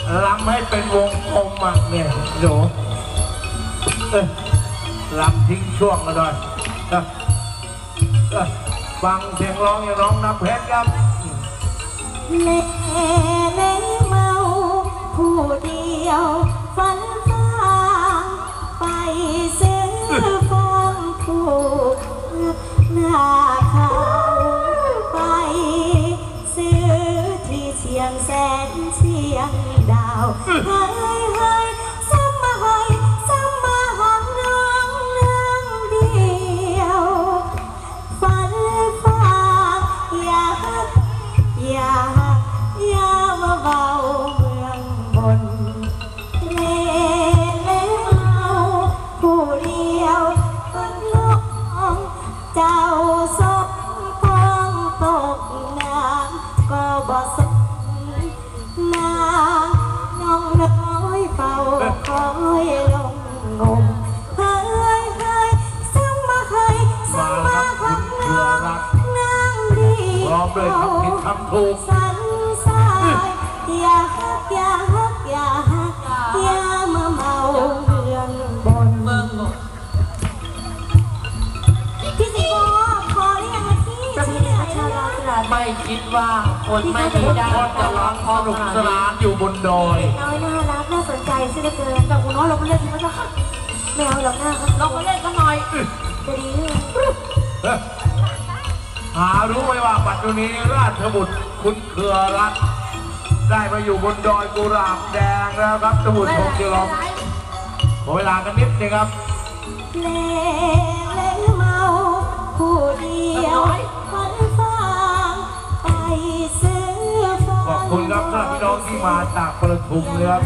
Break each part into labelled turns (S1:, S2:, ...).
S1: ลำให้เป็นวงกลมอ่ะเนี่ยหนูลำทิ้งช่วงกันหน่อยฟังเสียงร้องอย่างน้องน้ำเพชรครับ
S2: เล่เล่เมาผู้เดียวฝันฟ้าไปซื้อฟองผู้หน้าเขาไปซื้อที่เชียงแสนเชียงดาวเฮ้ยเฮ้ยซ้ำมาให้ซ้ำมาหักน้องเรื่องเดียวฝันฟ้าอย่ามาเบาเมืองบนเล่เล่เอาผู้เดียวต้นลงเจ้าสมพองตกน้ำก็บ่สนน้องน้อยเฝ้าคอยลงงมเฮ้ยเฮ้ยซ้ำมาให้ซ้ำมาหักน้องนางดี
S1: พร้อมด้วยคำผิดคำถูก
S2: สันสายอย่าฮักอย่าฮักอย่าฮักอย่ามาเมาเมืองบนพี่สิโบพอหรือยังพี่ชื่ออะไรนะ
S3: ไม่คิดว่าคนไม่มีด้านจะร้องพอสนุกสนานอยู่บนดอย
S2: น้อยน่ารักน่าสนใจซะเหลือเกินแต่คุณน้อยเราไม่เล่นที่มันจะไม่เอาหรอกนะ
S3: เราก็เล่นกันหน่อย
S2: จะดี
S1: หารู้ไหมว่าปัจจุบันราชบุตรคุณเครือรัตน์ได้มาอยู่บนดอยกุหลาบแดงแล้วครับสมุทรพงษ์เจริญขอเวลากันนิดนึงครับ
S2: เล่เมาผู้เดียวฝันฟังไปซื้อ
S1: ขอบคุณครับท่านพี่น้องที่มาจากประทุมนะครับ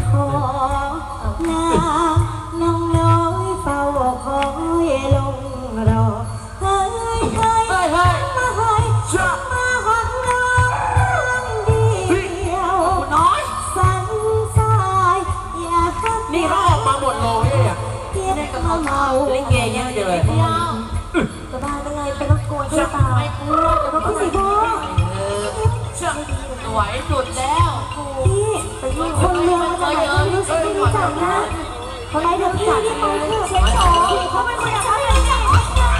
S2: น้องน้อยเฝ้าคอยลงรอเฮ้ยเฮ้ยมาเฮ้ยมาหักน้องเดียว
S3: น้อย
S2: สันสายอย่าฮัก
S3: นี่เขาออกมาหมดเลยอ่ะ
S2: นี่ก็มาเมา
S3: ลิเกเยอะเลย
S2: จะบ้าได้ไงเป็นรบกวนที่ตา
S3: ไม่กลัว
S2: แต่พี่สิโบ
S3: เชื่อสวยสุดแล้ว
S2: พี่คนเมืองมาจากไหนก็ไม่รู้จักนะเขาไล่เดินผ่านพี่เขาเช็คโชว์เขาเป็นคนอย่างไร